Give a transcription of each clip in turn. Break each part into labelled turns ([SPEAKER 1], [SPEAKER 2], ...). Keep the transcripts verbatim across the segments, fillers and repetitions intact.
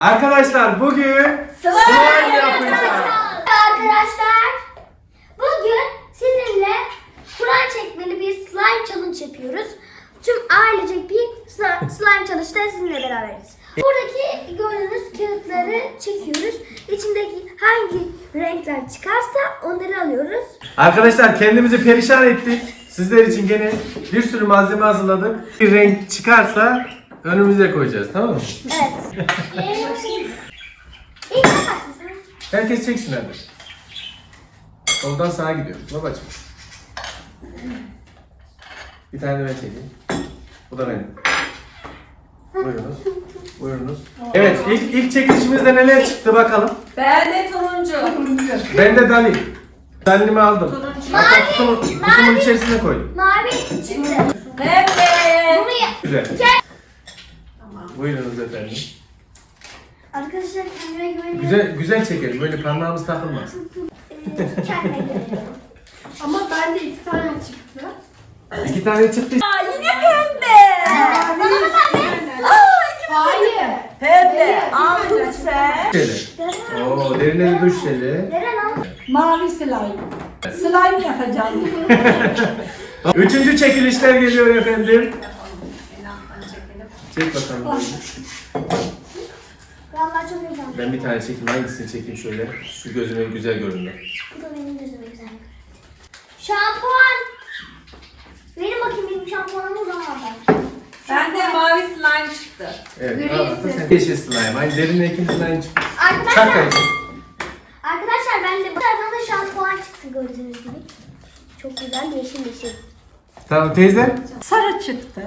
[SPEAKER 1] Arkadaşlar bugün slime yapacağız.
[SPEAKER 2] Arkadaşlar bugün sizinle Kur'an çekmeli bir slime challenge yapıyoruz. Tüm ailecek bir sli- slime challenge'da sizinle beraberiz. Buradaki gördüğünüz kağıtları çekiyoruz. İçindeki hangi renkler çıkarsa onları alıyoruz.
[SPEAKER 1] Arkadaşlar kendimizi perişan ettik. Sizler için gene bir sürü malzeme hazırladık. Bir renk çıkarsa önümüze koyacağız, tamam mı?
[SPEAKER 2] Evet. İlk ne başlasın?
[SPEAKER 1] Herkes çeksin hadi. Soldan sağa gidiyoruz babacığım. Bir tane de ben çekeyim. Bu da benim. Buyurunuz. Buyurunuz. Evet, ilk, ilk çekilişimizde neler çıktı bakalım.
[SPEAKER 3] Ben de turuncu.
[SPEAKER 1] Ben de Dali. Dali'mi aldım.
[SPEAKER 3] Turuncu.
[SPEAKER 1] Hatta kutumun, kutumun içerisine koydum.
[SPEAKER 2] Mavi çıktı.
[SPEAKER 3] Pembe.
[SPEAKER 2] Bunu ya-
[SPEAKER 1] Güzel.
[SPEAKER 2] Gel.
[SPEAKER 1] Buyurunuz efendim.
[SPEAKER 2] Arkadaşlar kendime güveniyorum.
[SPEAKER 1] Güzel güzel çekelim. Böyle parmağımız takılmaz.
[SPEAKER 2] Ee, Kendime güveniyorum.
[SPEAKER 4] Ama bende iki tane çıktı.
[SPEAKER 1] İki tane çıktı.
[SPEAKER 3] Aa, yine pembe.
[SPEAKER 2] Bana da pembe.
[SPEAKER 4] Hayır.
[SPEAKER 3] Pembe. Aldın sen.
[SPEAKER 1] Şöyle. Oo, derine bir duş jeli.
[SPEAKER 2] Neren al?
[SPEAKER 4] Mavi slime. Slime yapacağım.
[SPEAKER 1] Üçüncü çekilişler geliyor efendim. Çek bakalım.
[SPEAKER 2] Vallahi çok heyecanlıyım.
[SPEAKER 1] Ben bir tane çekeyim. Hangisini çekeyim şöyle? Şu gözüme güzel görünüyor.
[SPEAKER 2] Bu da benim gözüme güzel. Şampuan. Verin bakayım benim şampuanımı o zaman ben.
[SPEAKER 3] Ben de mavi slime çıktı.
[SPEAKER 1] Evet. Al bakalım sen. Yeşil slime. Aynı derine ikinci slime çıktı.
[SPEAKER 2] Arkadaşlar,
[SPEAKER 1] Çak
[SPEAKER 2] arkadaşlar ben de bu tarafa da şampuan çıktı gördüğünüz gibi. Çok güzel yeşil yeşil.
[SPEAKER 1] Tamam teyze.
[SPEAKER 4] Sarı çıktı.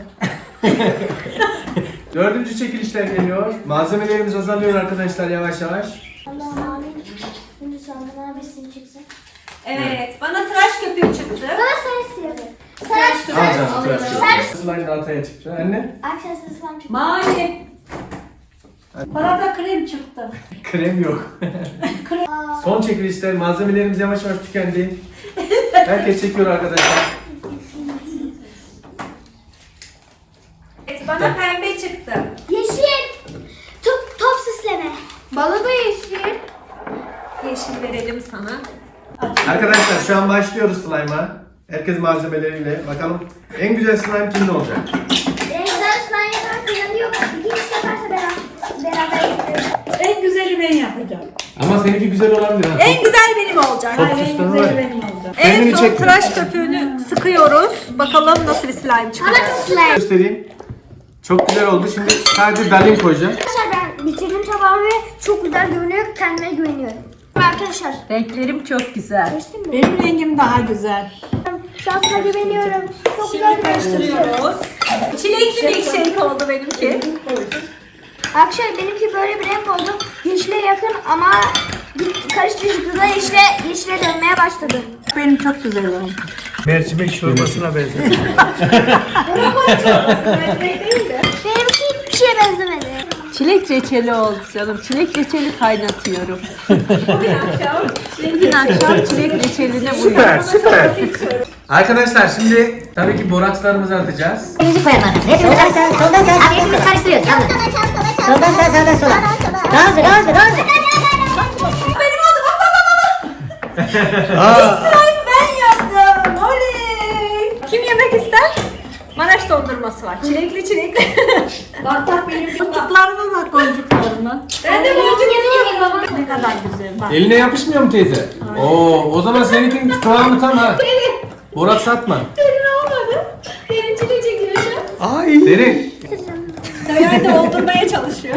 [SPEAKER 1] Dördüncü çekilişler geliyor. Malzemelerimiz azalıyor arkadaşlar yavaş yavaş.
[SPEAKER 2] Allah mavi. Şimdi sana mavisi çıksın.
[SPEAKER 3] Evet. Bana tıraş köpüğü çıktı.
[SPEAKER 2] Bana sarı istiyorum. Sarı
[SPEAKER 1] Al
[SPEAKER 2] sarı.
[SPEAKER 1] canım tıraş
[SPEAKER 2] Sarı.
[SPEAKER 1] köpüğü. Slime de altaya çıktı. Anne.
[SPEAKER 2] Arkadaşlar ıslam çıktı.
[SPEAKER 3] Mavi.
[SPEAKER 4] Bana da krem çıktı.
[SPEAKER 1] Krem yok.
[SPEAKER 2] Aa,
[SPEAKER 1] Son çekilişler. Malzemelerimiz yavaş yavaş tükendi. Herkes çekiyor arkadaşlar.
[SPEAKER 3] Evet, bana pembe çıktı.
[SPEAKER 2] yeşil. Top, top süsleme.
[SPEAKER 4] Bana da yeşil.
[SPEAKER 3] Yeşil verelim sana.
[SPEAKER 1] Arkadaşlar şu an başlıyoruz slime'a. Herkes malzemeleriyle. Bakalım en güzel slime kimde olacak?
[SPEAKER 2] En güzel slime yaparak kazanıyor. İkinci yaparsa beraber, beraber yapıyoruz.
[SPEAKER 4] En güzeli ben yapacağım.
[SPEAKER 1] Ama seninki güzel olabilir ha.
[SPEAKER 3] En güzel benim olacak.
[SPEAKER 1] Çok
[SPEAKER 4] Hayır, en
[SPEAKER 1] süsleme var
[SPEAKER 4] güzeli
[SPEAKER 1] ya.
[SPEAKER 4] benim olacak.
[SPEAKER 1] Kendini
[SPEAKER 3] En son
[SPEAKER 1] çekme.
[SPEAKER 3] tıraş köpüğünü sıkıyoruz. Bakalım nasıl bir slime çıkacak.
[SPEAKER 2] Bana slime.
[SPEAKER 1] Göstereyim. Çok güzel oldu. Şimdi sadece Dalin koyacağım.
[SPEAKER 2] Arkadaşlar ben bitirdim tabağımı ve çok güzel görünüyor. Kendime güveniyorum. Arkadaşlar.
[SPEAKER 3] Renklerim çok güzel.
[SPEAKER 2] Geçtin mi?
[SPEAKER 4] Benim rengim daha güzel.
[SPEAKER 2] Şansına güveniyorum. Çok güzel görünüyor.
[SPEAKER 3] Karıştırıyoruz. Çilekli milkshake oldu benimki.
[SPEAKER 2] Arkadaşlar benimki böyle bir renk oldu. Yeşile yakın ama karıştırıcıda yeşile, yeşile dönmeye başladı.
[SPEAKER 4] Benim çok güzel oldu.
[SPEAKER 5] Mercimek çorbasına benziyor.
[SPEAKER 2] Benimki hiçbir şeye benzemedi.
[SPEAKER 6] Çilek reçeli oldu canım. Çilek reçeli kaynatıyorum.
[SPEAKER 3] Bugün akşam
[SPEAKER 6] Bugün akşam çilek reçeline
[SPEAKER 1] Süper süper. Arkadaşlar şimdi tabii ki borakslarımızı atacağız.
[SPEAKER 7] Müzik koyalım artık. Hepimiz soldan sağa, soldan sağa. Abi hepimiz karıştırıyoruz. Tamam. Soldan sağa, sağdan sola. Daha hızlı, daha hızlı, daha hızlı.
[SPEAKER 3] benim oldu. Bak bak bak bak. Slime ben yaptım. Oley. Kim yemek ister? Maraş dondurması var. Çilekli çilekli.
[SPEAKER 4] Bak bak benim boncuklarıma bak boncuklarıma.
[SPEAKER 3] Ben de boncuk yapıyorum.
[SPEAKER 4] Ne kadar güzel bak.
[SPEAKER 1] Eline yapışmıyor mu teyze? Oo, o zaman seninkinin kıvamı tam ha. Boraks atma.
[SPEAKER 3] Derin olmadı. Derin çilek çekiyor şu an.
[SPEAKER 5] Ay.
[SPEAKER 1] Derin.
[SPEAKER 3] Döner de oldurmaya çalışıyor.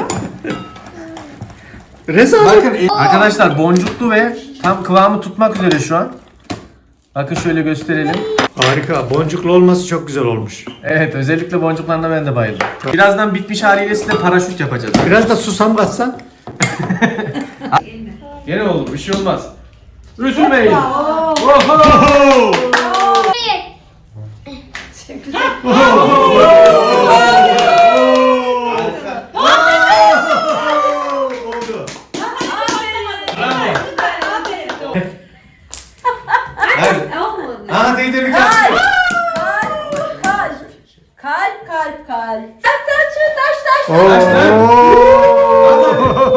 [SPEAKER 5] Rezalet.
[SPEAKER 1] Bakın e- arkadaşlar boncuklu ve tam kıvamı tutmak üzere şu an. Bakın şöyle gösterelim.
[SPEAKER 5] Harika. Boncuklu olması çok güzel olmuş.
[SPEAKER 1] Evet özellikle boncuklarına ben de bayıldım. Birazdan bitmiş haliyle size paraşüt yapacağız.
[SPEAKER 5] Biraz da susam katsan.
[SPEAKER 1] Gene olur bir şey olmaz. Üzülmeyin. Oho!
[SPEAKER 2] Bir.
[SPEAKER 1] Hadi.
[SPEAKER 3] Olmadı.
[SPEAKER 1] Aa teyze bir kaçıyor.
[SPEAKER 3] Kalp, kalp, kalp, kalp, kalp. Taş, taş, taş, taş.
[SPEAKER 1] Taşlar.
[SPEAKER 5] Oo.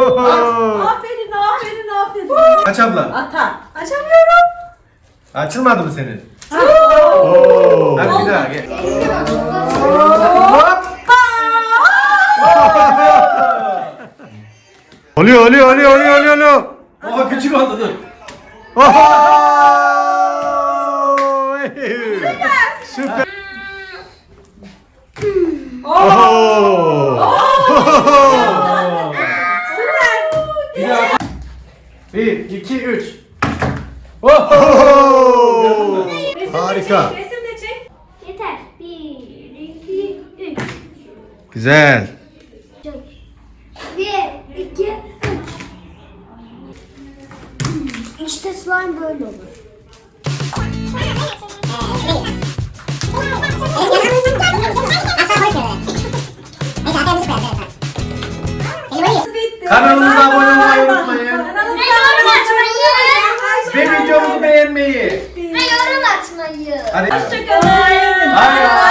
[SPEAKER 1] Aç abla.
[SPEAKER 3] Atar. Açamıyorum.
[SPEAKER 1] Açılmadı mı senin?
[SPEAKER 5] Oo.
[SPEAKER 1] Hadi bir daha gel.
[SPEAKER 5] Oluyor oluyor oluyor oluyor oluyor, oluyor.
[SPEAKER 1] Oha küçük oldu dur.
[SPEAKER 5] Oho! Süper. Oho!
[SPEAKER 1] Bir daha. Bir, iki, üç. Oho!
[SPEAKER 5] Oho! Harika.
[SPEAKER 3] Resim de çek.
[SPEAKER 2] Yeter. Bir, iki, üç.
[SPEAKER 5] Güzel.
[SPEAKER 2] Bir, iki, üç. İşte slime böyle olur.
[SPEAKER 3] Bitti.
[SPEAKER 1] Kanalımıza abone olmayı unutmayın.
[SPEAKER 3] Kanalımıza
[SPEAKER 2] Ve yorum atmayı.
[SPEAKER 1] Ve videomuzu beğenmeyi.
[SPEAKER 2] Ve yorum atmayı.
[SPEAKER 1] Hadi.
[SPEAKER 3] Hoşçakalın.
[SPEAKER 1] Bay bay.